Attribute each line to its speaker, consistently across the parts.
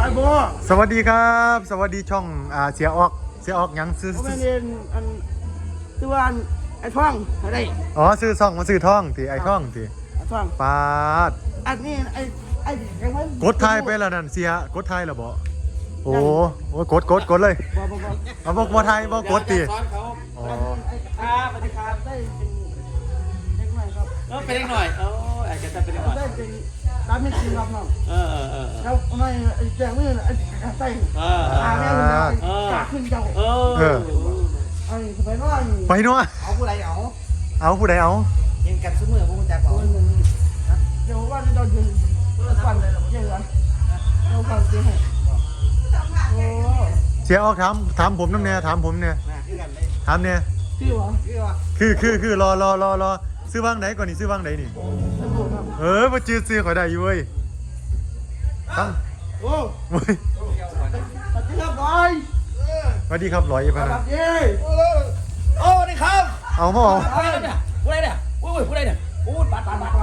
Speaker 1: โบ
Speaker 2: สวัสดีครับสวัสดีช่องเสียออกยังซื้อ
Speaker 1: ผมเป็นอันตัวไอ้ท่องอะไร
Speaker 2: อ๋อซื้อซ่องมาซื้อท่องทีไอ้ท่องที
Speaker 1: ไอ้ท่อง
Speaker 2: ปาด
Speaker 1: อันนี้ไอ้ยังไม่
Speaker 2: กดไทยไปแล้วนั่นเสียกดไทยแล้วบ่โอ้กดเลย
Speaker 1: บ่
Speaker 2: เอาบ่ไทยบ่กดตีอ๋อ
Speaker 1: ปฏิคาได้เป็นเล็กหน่อยครับ
Speaker 3: เป็นเล็กหน่อยอาจจะเป็นเล็กหน่อย
Speaker 1: ได้เป็นตามที่จริงครับน้อง
Speaker 3: แล้ว
Speaker 1: แล้วไม่แจงมือไอ้ใส่แม่คุณกาขึ้นเจ้าไอ้ไปว่า
Speaker 2: ไปนัว
Speaker 3: เอาผู้ใดเอา
Speaker 2: เอาผู้ใดเอา
Speaker 3: เห็นกันเสมอพวกมันจะบอก
Speaker 1: เดี๋ยวว่าเรายืนปั่นเยอะเราปั่นเยอะโอ้
Speaker 2: เสียออกถามผมน้ำเนี่ยถามผมเนี่ย
Speaker 3: คือกันเลย
Speaker 2: ถามเนี่ย
Speaker 1: ชื่อวะ
Speaker 3: คือว่า
Speaker 2: รอซื้อว่างไหนก่อนนี่ซื้อว่างไหนนี่
Speaker 1: ตำรวจครับ
Speaker 2: มาจืดซื้อขอยได้อยู่เว้ยตั้ง
Speaker 1: โอ้
Speaker 2: เว้ย
Speaker 1: ปฏิครับบอย
Speaker 2: สวัสดีครับร้อยพะ
Speaker 1: ค
Speaker 2: นะ
Speaker 1: รับเย้
Speaker 3: โอ้นี่ครับ
Speaker 2: เอามาเอา
Speaker 3: ผู้ใดเนี่ยผู้ใดเนี่ยผู้ใดเนี่ยผู้ปัด
Speaker 1: ปั่นมา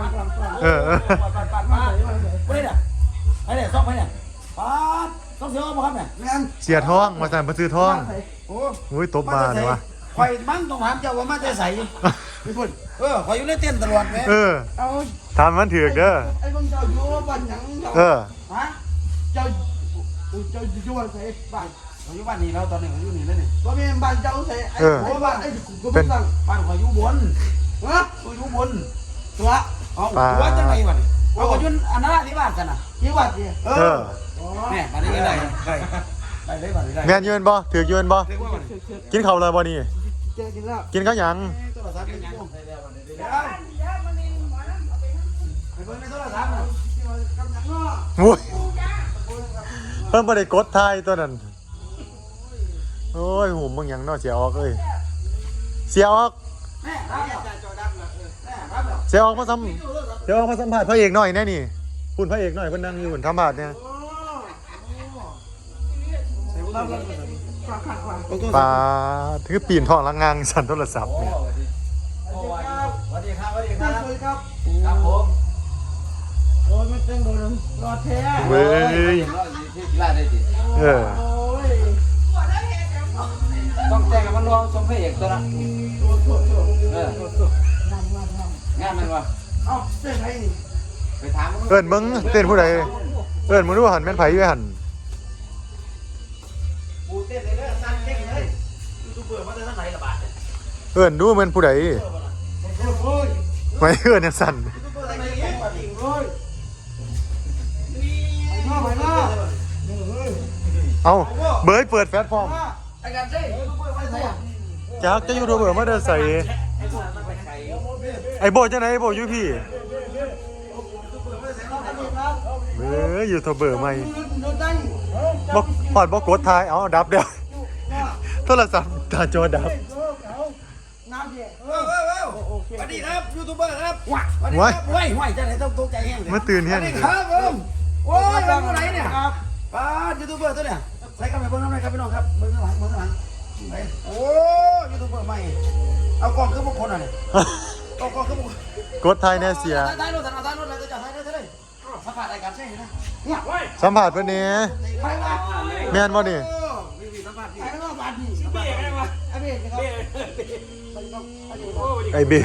Speaker 3: ผู้ใดเนี่ยไปเนี่ยซ่อมไปเนี่ยปัดต้องเสียมาครับเนี่ย
Speaker 1: แม่น
Speaker 2: เสียท้องมาสั่นมาซื้อท้อง
Speaker 3: โอ้
Speaker 2: อุ้ยตบมาเลยวะ
Speaker 3: คอยมั่งต้องถามเจ้าว่ามาจะใส่ไม่พูดคอยอยู่ในเต้นตลอดไหม
Speaker 1: เอา
Speaker 2: ถามมันถือกเด้อ
Speaker 1: ไอ้คนเจ้าอยู่บ้านหยังเจ้า
Speaker 3: ฮะ
Speaker 1: เจ้าอยู่ใส่บ้าน
Speaker 3: เราอยู่บ้านนี้เราตอนนี้เราอยู่นี่แล้วนี่
Speaker 1: ว่ามีบ้านเจ้าใส่ไอ้หัวบ้านไอ้กูไม่สั่ง
Speaker 3: บ้านคอยอยู่บน
Speaker 1: ฮะ
Speaker 3: อยู่บน
Speaker 1: ตัว
Speaker 3: เอาหัวจังไงวะนี่เอาก็ยุ่นอันนั้นที่บ้านกันน่ะ
Speaker 1: ยี่วัดเนี่ย
Speaker 3: เนี่ยมาได้ยังไงไปได้บ้านได้
Speaker 2: แมนยืนบ่ถือกยืนบ่
Speaker 3: เรียกว่ามัน
Speaker 2: กินข้าวเลยบ่นี่
Speaker 1: เจอกินแล้ว
Speaker 2: กินข้าวหยัง
Speaker 3: โทรศัพท์ยังใส่แล้วมันได้ไปเบิ่งในโทรศัพท์
Speaker 1: กำลังเนาะ
Speaker 2: อุ้ยเพิ่มบ่ได้กดทายตัวนั้นโอ้ยหุ่มมึงหยังเนาะเสียออกเอ้ยเสียออก
Speaker 3: แม่รับแล้วจอดำแล้วแม่รับแล้ว
Speaker 2: เสียออกมาสัมภาษณ์พระเอกหน่อยแน่นี่คุณพระเอกหน่อยเพิ่นนั่งอยู่บนธรรมบาทเนี่ย ปลาถือปีนท้องละงางสั่นโทรศัพท์เนี่ย
Speaker 3: สวัสดีครับสวัสดีค
Speaker 1: ค
Speaker 3: รั
Speaker 1: รั
Speaker 3: บบ
Speaker 1: ครับ
Speaker 3: ครับผม
Speaker 1: โอ้ยไม่ต้องโดนรอแท้
Speaker 2: เว้ย
Speaker 3: ที่กีฬาได้ดิ
Speaker 1: โอ้ย
Speaker 3: ต้องแจ้งกับมันรอสมเพเอกตัวละ
Speaker 1: ตัว
Speaker 3: งานมันวะ
Speaker 1: เอ้าเส้นไหนนี่
Speaker 3: ไปถาม
Speaker 2: เอิ้นมึงเต้นผู้ใดเอิ้นมึงดูหันแม่นไผอยู่หัน
Speaker 3: ปูเต้นเลยเลยสั่นเต้นเลยยูทูบเบอร์มาได้ทั้งไหนละบาท
Speaker 2: เอิ้นดูแม่นผู้ใด
Speaker 1: โอ้ย
Speaker 2: ไม่เอิ้นจังสั่น
Speaker 3: ยูทูบเบอร์อะไรเงี้ย
Speaker 1: โอ้ยไปหน้าไปหน้า
Speaker 2: เอ้าเบิร์ดเปิดแพลตฟอร์ม
Speaker 3: ไอ้การใช่ยูทูบเบอร์ไม่ใช่
Speaker 2: จากจะยูทูบเบอร์มาเดินใส่ไอ้โบจังไหนไอ้โบอยู่พี่เว้ยยูทูบเบอร์ใหม่บ่ฮอดบ่กดทายเอาดับเด้อโทรศัพท์ตาจอดับ
Speaker 1: น้ำเย็น
Speaker 3: สวัสดีครับยูทูบเบอร์ครับว้าไหวจะไหนต้องตกใจแห้งเลย
Speaker 2: เมื่อตื่นเฮียน
Speaker 3: ครับผมโอ้ยเป็นอะไรเนี่ยป้ายูทูบเบอร์ตัวเนี่ยใส่กันไปเบิ้งน้ำหน่อยครับพี่น้องครับเบิ้งข้างหลังโอ้ยูทูบเบอร์ใหม่เอากล้องขึ้นบนคนอ่ะเนี่ยเอากล้องขึ้นบน
Speaker 2: กดทายแน่เสีย
Speaker 3: ท้ายรถท้ายรถเลยจะท้ายรถเลยสัมผัสรายการใช่ไหมนะเนี่ย
Speaker 2: สัมผัสเพิ่นนี่
Speaker 1: ไปว่า
Speaker 2: แม่นบ่นี่
Speaker 3: มีสัมผัสดี
Speaker 1: ไปว่าบ้านนี่เบรกอะไรวะไอ้เบรกนะครับ
Speaker 2: ไอ้เบ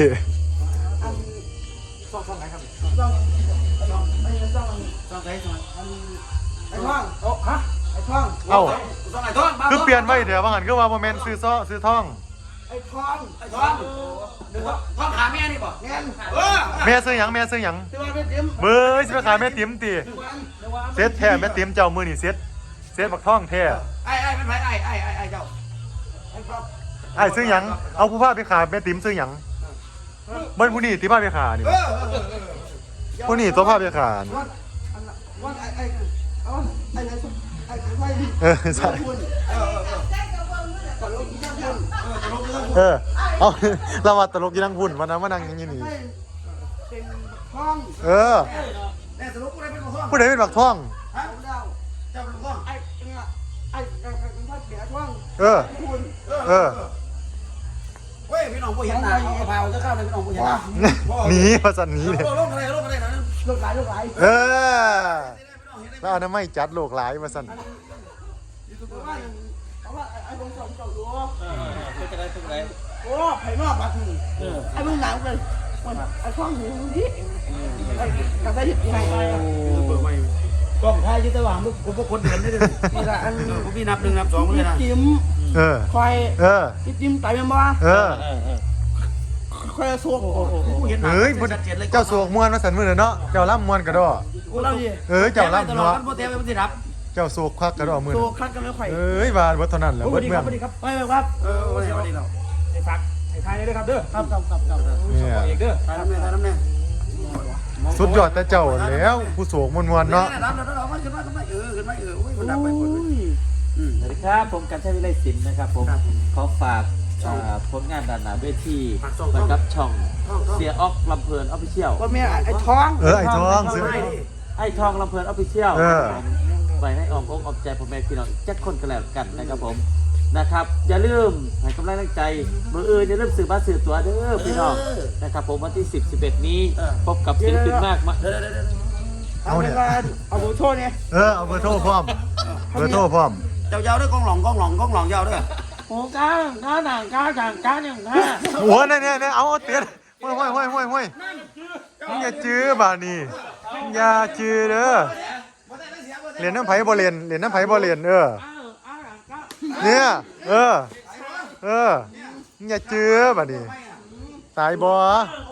Speaker 3: ซ่องไหนครับ
Speaker 1: ต้องไอ้ต้อง
Speaker 3: ซ่องไหนซ่อง
Speaker 1: ไอ้ท่อง
Speaker 3: โอ้ฮะ
Speaker 1: ไอ้ท่อง
Speaker 2: เอ้า
Speaker 3: ซ่องไหนท่อง
Speaker 2: คือเปลี่ยนไว้เดี๋ยวว่าหันคือว่าบ่แม่นซื้อซ้อซื้อท่อง
Speaker 1: ไอ้ท่อง
Speaker 3: ไอ้ท่องท่องขาแม่นี่ป่ะ
Speaker 1: แง่น
Speaker 2: แม่ซื้อหยังแม่ซื้อหยัง
Speaker 1: ที่ว่าไม่เต็ม
Speaker 2: เบ้ยสิไปขายแม่ติ๋มติเซ็ตแท้แม่ติ๋มเจ้ามือนี่เซ็ตบักท่องแท้
Speaker 3: ไอ้เป็นไผไอ้เจ้า
Speaker 1: ไอ้ท่อง
Speaker 2: ไอ้ซื้อหยังเอาผู้พาไปขายแม่ติ๋มซื้อหยังเบิ่นผู้นี้ที่พาไปขายนี่ผู้นี้ตัวพาไปขาย
Speaker 1: ว่าไอ้เอาไอ้ไหนไอ้ไฟ
Speaker 2: ใช่
Speaker 1: ตลกยี่ห้อคน
Speaker 2: เอาเราว่าตลกยี่นั่งหุ่นวันนั้นมานั่งอย่างนี้นี่
Speaker 1: เป็นท่อง
Speaker 3: แม่สรุปกูได้เป็นท่อง
Speaker 2: ผู้ใดเป็นบักท่อง
Speaker 1: ฮะดาว
Speaker 3: เจ้าเป็นท่อง
Speaker 1: ไอ้เนี่ยไอ้เป็นท่องเสียท่อง คุณ
Speaker 3: เว้ยพี่น้องผู้เห็นหน้าเอาเผาจะเข้าในพี่น้องผู้เห็นหน้า
Speaker 2: หนีภาษาหนีเลย
Speaker 3: โลกอะไรนะ
Speaker 1: ลูกหลาย
Speaker 2: เออ
Speaker 3: พ
Speaker 2: แล้วเอาน้ำไม่จัดโลกหลายมาสั่น
Speaker 1: เพราะว่าไอ้วงสองเจ้าดู
Speaker 4: เป็นจะได้เป็นไร
Speaker 1: โอ้ไผ่นอกบัดนี่ไอ้เบิ่งหนังเลยไอ้ข้องหูนี่ไอ้กระไรหยิบยังไง
Speaker 3: กล้องถ่ายยึดตะวันกูพวกคนเดินได้เลย
Speaker 1: นี่ละอัน
Speaker 3: กูมีนับ1นับ2เลยนะ
Speaker 1: จิ้ม
Speaker 2: เออ
Speaker 1: ควาย
Speaker 2: เออ
Speaker 1: จิ้มไตมันบ่
Speaker 2: เออ
Speaker 1: ควายสวก
Speaker 3: กูเห็น
Speaker 2: เฮ้ยเจ้าสวกมวนมาสันมือเนาะเจ้าล่ำมวนกระดอ
Speaker 1: กูเล่าดิ
Speaker 2: เอ้ยเจ้าล่ำ
Speaker 3: ตล
Speaker 2: เนาะ
Speaker 3: อดกันโปรเทปมันสิรับ
Speaker 2: เจ้าสวกควักกระดอมือ
Speaker 1: สว
Speaker 2: น่ะ
Speaker 1: กคัดกันไม่ค่อย
Speaker 2: เอ้ยบาดเบิดเท่านั้นแหละเบิดเมือง
Speaker 1: ไม่ครับ
Speaker 3: วันนี้เรา
Speaker 4: ไอ้ฟักไอ้ทายเลยครับเด้อ
Speaker 1: ครับ
Speaker 2: เนี่ย
Speaker 4: เอกเด้อ
Speaker 3: ถ่ายน้ำเนี่ยถ่ายน้ำเนี่ย
Speaker 2: สุดยอดแต่เจ้าแล้วผู้สวกมวนๆเนาะ
Speaker 3: รับแล้วเราขึ้นมาขึ้นมาขึ้นมาโอ้ยมันดับไปหมดเลย
Speaker 4: สวัสดีครับผมกันชัยวิไลศิลป์นะครับผมขอฝากผลงานด้านหน้าเวทีนะครับช่องเสียออกลำเพลินออฟฟิเชียล
Speaker 1: ว่าแม่ไอ้ท้อง
Speaker 2: เออไอ้ทองซื้อ
Speaker 4: ไอ้ทองลำเพลินออฟฟิเชียล
Speaker 2: เออ
Speaker 4: ไว้ให้ออมอกออมใจผมแม่พี่น้องแจ็คคนกันแล้วกันนะครับผมนะครับอย่าลืมให้กำลังใจมืออย่าลืมสื่อบ้านสื่อตัวเด้อพี่น้องนะครับผมวันที่10 11นี้พบกับศิลปินมากมา
Speaker 1: เอาเนี่ยเอาโบโชเนี่ย
Speaker 2: เออเอาเบอร์โทรพร้อมเบอร์โทรพร้อม
Speaker 3: ยาวด้วยกล้องหลองยาวด้วย
Speaker 4: โอ้ก้าหนังก้าอย่างก้าอย่างก้า
Speaker 2: โอ้เนี่ยเอาเตียนห้วยมึงอย่าจื้อบานี่มึงอย่าจื้อเด้อเหรียญน้ำไผ่บ่เหรียญเหรียญน้ำไผ่บ่เหรียญเนี่ยมึงอย่าจื้อบานี่ตายบ่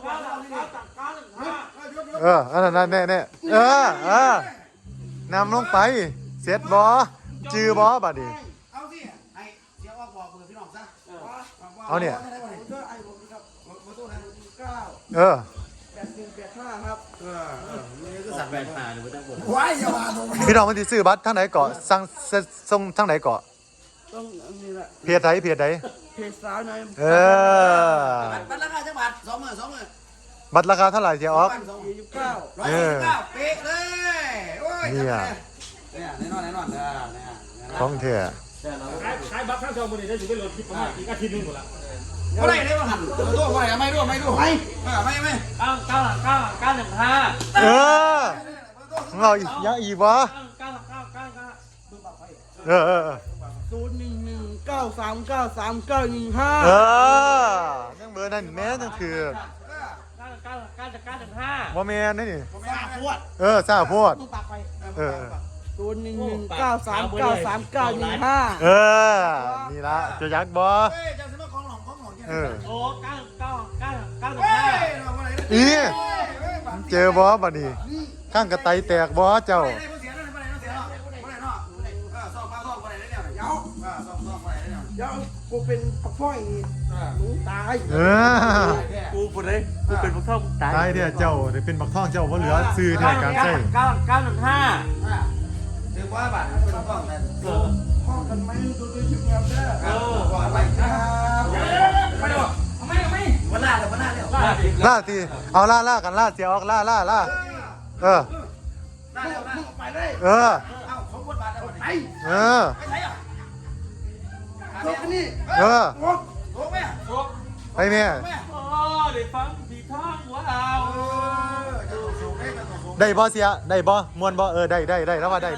Speaker 2: อันนั้นแน่นำลงไปเสร็จบ่จื้อบ่บานี่
Speaker 3: เอาสิไอ้เดี๋ยวว่าบอกเบอร์พี่น้องซะ
Speaker 2: เอาเนี่ย
Speaker 1: ไอ้ผมครับ
Speaker 2: เออ
Speaker 1: 8185ครับ
Speaker 4: สัตว์แบนหาหรือว่าตั้งบน
Speaker 3: ว้ายอย่ามาลง
Speaker 2: พี่น้องมันสิซื้อบัตรทางไหนเกาะสั่งส่งทางไหนเกาะ
Speaker 1: ต้องนี่แหละ
Speaker 2: เพจไหน
Speaker 1: เพจสาวหน่อย
Speaker 2: เออ
Speaker 3: บัตรราคาจังบาท20,000
Speaker 2: บัตรราคาเท่าไหร่เจ๊ออก
Speaker 1: 29
Speaker 3: 129เป๊ะเลยโอ้ยเนี่ยแน่นอนเนี่ย
Speaker 2: ของเถื่อ
Speaker 4: ขายบัตรทั้งสองคนนี้ได้อยู่เป็นรถคิดประมาณอีกอาทิตย์นึงหมดละ
Speaker 3: บ่ได้เลยว่าหันตัวบ่ได้ไม่
Speaker 4: ก้าหนึ่งห้า
Speaker 2: เออของเราอย่าอีกวะ
Speaker 4: ก้า
Speaker 2: เออ
Speaker 1: 011939395
Speaker 2: เออยังเบอร์นั่นแม่ยังถือ
Speaker 4: ก้าหนึ่งห้า
Speaker 2: ว่าแม่นนี่
Speaker 1: ปวด
Speaker 2: เออซาโพด
Speaker 1: ต้องปากไป
Speaker 2: เออ
Speaker 1: 011939395
Speaker 2: เออนี่ละจะยักษ์บ่
Speaker 3: เฮ้ยจะซื้อของหลอง
Speaker 2: เออ
Speaker 4: โอ้ก้าหนึ่ง
Speaker 3: เฮ้
Speaker 4: ห้าย
Speaker 2: อีเจอบ่บัดนี้ข้างกระไตแตกบ่เจ้า
Speaker 1: เดี๋ยวกูเป็นปักพ่อยหนูตาย
Speaker 2: เออ
Speaker 4: กูพูดเลยกูเป็นพวกท่องตาย
Speaker 2: ตายเนี่ยเจ้าได้เป็นบักท่องเจ้าบ่เหลือซื้อแทนการใช้
Speaker 4: ก้าหนึ่งห้า
Speaker 3: ซื้อว่าบาทเป็นต้องแต่
Speaker 1: พ่อกันไหมดูดูชิบเงียบเด้อ
Speaker 3: ว่าไปครับไม่ได้ไม่วันหน้าเลย
Speaker 2: ล่าทีเอาล่ากันล่าเสียออกล่าเออ
Speaker 3: ได้แล้วนะ
Speaker 1: ไปเลย
Speaker 2: เออ
Speaker 3: เอ้าเขาพูดบาทแล้วไป
Speaker 2: เออ
Speaker 3: ไปไหนอ่ะ
Speaker 1: โลกนี่
Speaker 2: เออ
Speaker 1: โอ้
Speaker 3: โอ้แม่
Speaker 2: ไปแม่
Speaker 4: โอ้ได้ฟังผีท่องหัวเอา
Speaker 2: ได้บ่เสียได้บ่มวนบ่เออได้แล้วว่าได้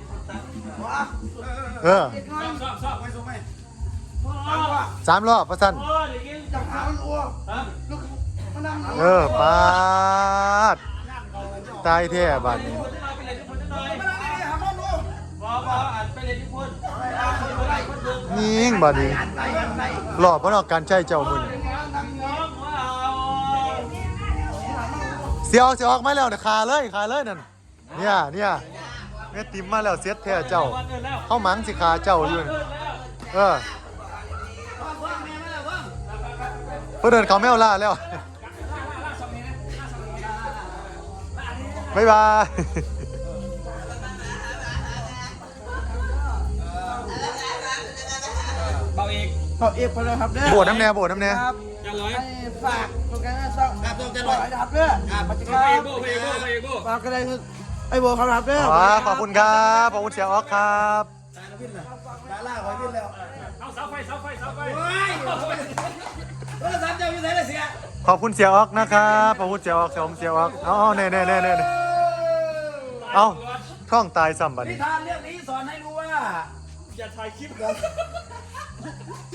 Speaker 2: เออ
Speaker 3: ชอบไปส่งไหม
Speaker 2: 3รอบประสัน
Speaker 4: โอ้ได้ยิน
Speaker 1: จังหามันอ้ว
Speaker 4: ฮะ
Speaker 1: ลูกมันนั่ง
Speaker 2: เออปาดตายแท้บัดนี้
Speaker 4: คนจะน้อยไปเลยทุกคนจะน้อย
Speaker 3: มาได้หาโน่นโน่น
Speaker 4: บออัดไปเลยทุกคนคนใดคนหนึ่ง
Speaker 2: ยิงบัดนี้รอบบ่นอกการใช้เจ้ามึง
Speaker 4: น้องหัวเอา
Speaker 2: เสียออกมาแล้วเนี่ยคาเลยนั่นเนี่ยแม่ติ๋มมาแล้วเสียแท้เจ้าเข้าหมังสิคาเจ้าอยู่เออเพื่อเดินเขาแมวล่าแล้วบ๊ายบาย
Speaker 4: เบาเอก
Speaker 1: ขอเอฟไปเลยครับเด้อ
Speaker 2: โบดน้ำแน่
Speaker 1: ครับ
Speaker 4: จังร้อย
Speaker 1: ให้ฝากโปรแกรมช่องครับต้องจะลอยครับเด้อปัจจุบันฝากกันเลยคือไอ้โบครับเด้อ
Speaker 2: ขอบคุณครับขอบคุณเสียออกครับ
Speaker 3: ดาราคอยขึ้นแล้ว
Speaker 4: เอาเสาไฟ
Speaker 3: โอ้ยโทรศัพท์จะอยู่ไหนล่ะเสีย
Speaker 2: ขอบคุณเสียออกนะครับขอบคุณเสียออกเอาเน่เอาโทท่องตายซ้ำบัด
Speaker 3: นิ
Speaker 2: นี้
Speaker 3: ทานเรื่องนี้สอนให้รู้ว่า
Speaker 1: อย่าถ่ายคลิป